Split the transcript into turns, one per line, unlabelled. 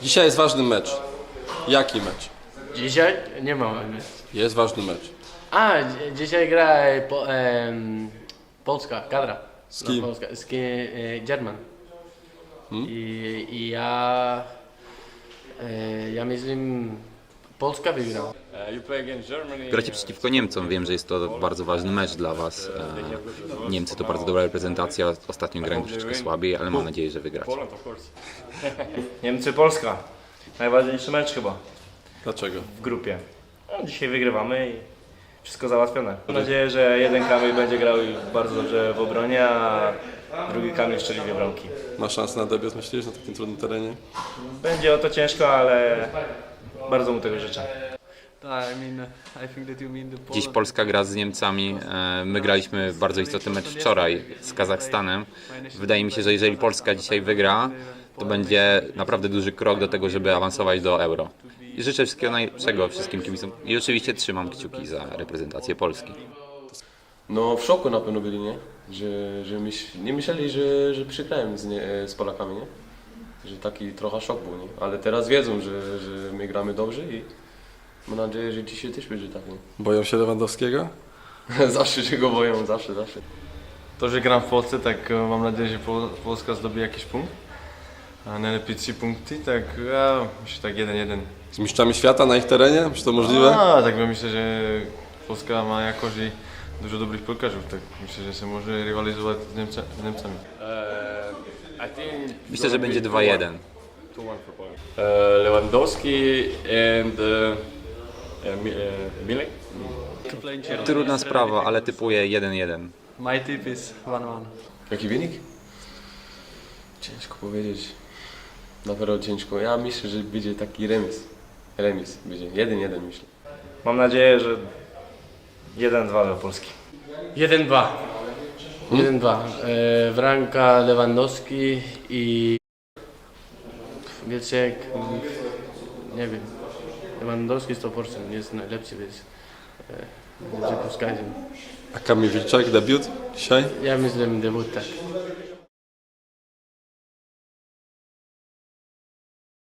Dzisiaj jest ważny mecz. Jaki mecz?
Dzisiaj nie ma.
Jest ważny mecz.
Dzisiaj gra Polska, kadra.
Z kim?
No, Polska, German. I ja myślę, Polska wygra.
Gracie przeciwko Niemcom, wiem, że jest to bardzo ważny mecz dla Was. Niemcy to bardzo dobra reprezentacja, ostatnio grają troszeczkę słabiej, ale mam nadzieję, że wygracie.
Niemcy-Polska. Najważniejszy mecz chyba
Dlaczego?
w grupie. No, dzisiaj wygrywamy i wszystko załatwione. Mam nadzieję, że jeden Kamil będzie grał bardzo dobrze w obronie, a drugi Kamil strzeli dwie bramki.
Ma szansę na debiut, myślisz, na takim trudnym terenie?
Będzie o to ciężko, ale bardzo mu tego życzę.
Dziś Polska gra z Niemcami, my graliśmy bardzo istotny mecz wczoraj z Kazachstanem. Wydaje mi się, że jeżeli Polska dzisiaj wygra, to będzie naprawdę duży krok do tego, żeby awansować do Euro. I życzę wszystkiego najlepszego wszystkim kibicom i oczywiście trzymam kciuki za reprezentację Polski.
No w szoku na pewno byli, nie? Nie myśleli, że przegrają z Polakami, nie? Że taki trochę szok był, nie? Ale teraz wiedzą, że my gramy dobrze i mam nadzieję, że dzisiaj też będzie tak, nie?
Boją się Lewandowskiego?
Zawsze się go boją, zawsze.
To, że gram w Polsce, tak mam nadzieję, że Polska zdobi jakiś punkt. A najlepiej 3 punkty, tak ja myślę tak 1-1.
Z mistrzami świata na ich terenie? Czy to możliwe?
Tak myślę, że Polska ma jakoś i dużo dobrych piłkarzy, tak myślę, że się może rywalizować z Niemcami.
Myślę, że będzie 2-1.
Lewandowski and Milik.
Trudna sprawa, ale typuję 1-1.
My tip is 1-1.
Jaki wynik? Ciężko powiedzieć. Na pewno ciężko. Ja myślę, że będzie taki remis. Remis będzie. 1-1 myślę.
Mam nadzieję, że 1-2 dla Polski.
1-2. 1-2. Bramka Lewandowski i Wielczek, nie wiem. Lewandowski 100% jest najlepszy, więc będzie Polska.
A Kamil Wilczak, debiut dzisiaj?
Ja myślę, debut tak.